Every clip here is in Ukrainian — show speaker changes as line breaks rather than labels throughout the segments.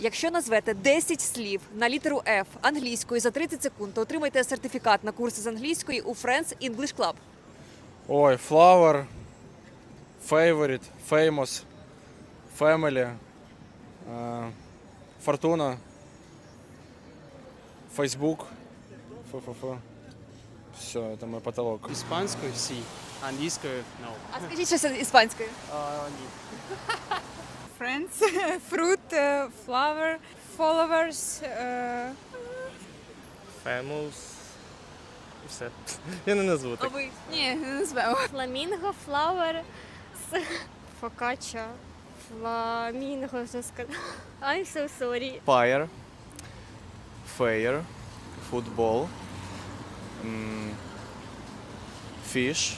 Якщо назвете 10 слів на літеру F англійською за 30 секунд, то отримаєте сертифікат на курси з англійської у Friends English Club.
Ой, flower, favorite, famous, family, Fortuna, Facebook. Все, это мой потолок.
Іспанською сі, англійською no.
А скажіть щось іспанською.
Ні.
Friends, fruit, flower, followers,
Famous. І все. Я не назву
А
так.
ви?
ні, не назвемо.
Фламінго, флауер, фокачча, фламінго вже сказала. I'm so sorry.
Fire, fair, football, fish,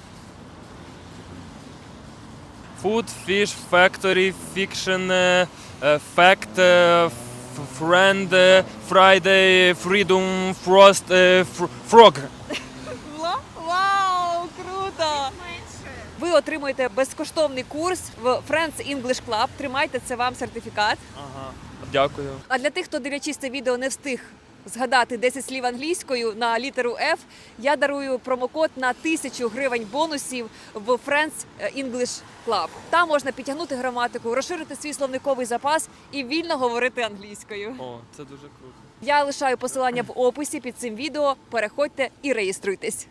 Food, fish, factory, fiction, fact, friend, Friday, freedom, frost, frog.
Вау, круто! Ви отримуєте безкоштовний курс в Friends English Club. Тримайте, це вам сертифікат.
Ага. Дякую.
А для тих, хто, дивлячись це відео, не встиг згадати 10 слів англійською на літеру F, я дарую промокод на 1000 гривень бонусів в Friends English Club. Там можна підтягнути граматику, розширити свій словниковий запас і вільно говорити англійською.
О, це дуже круто.
Я лишаю посилання в описі під цим відео. Переходьте і реєструйтесь.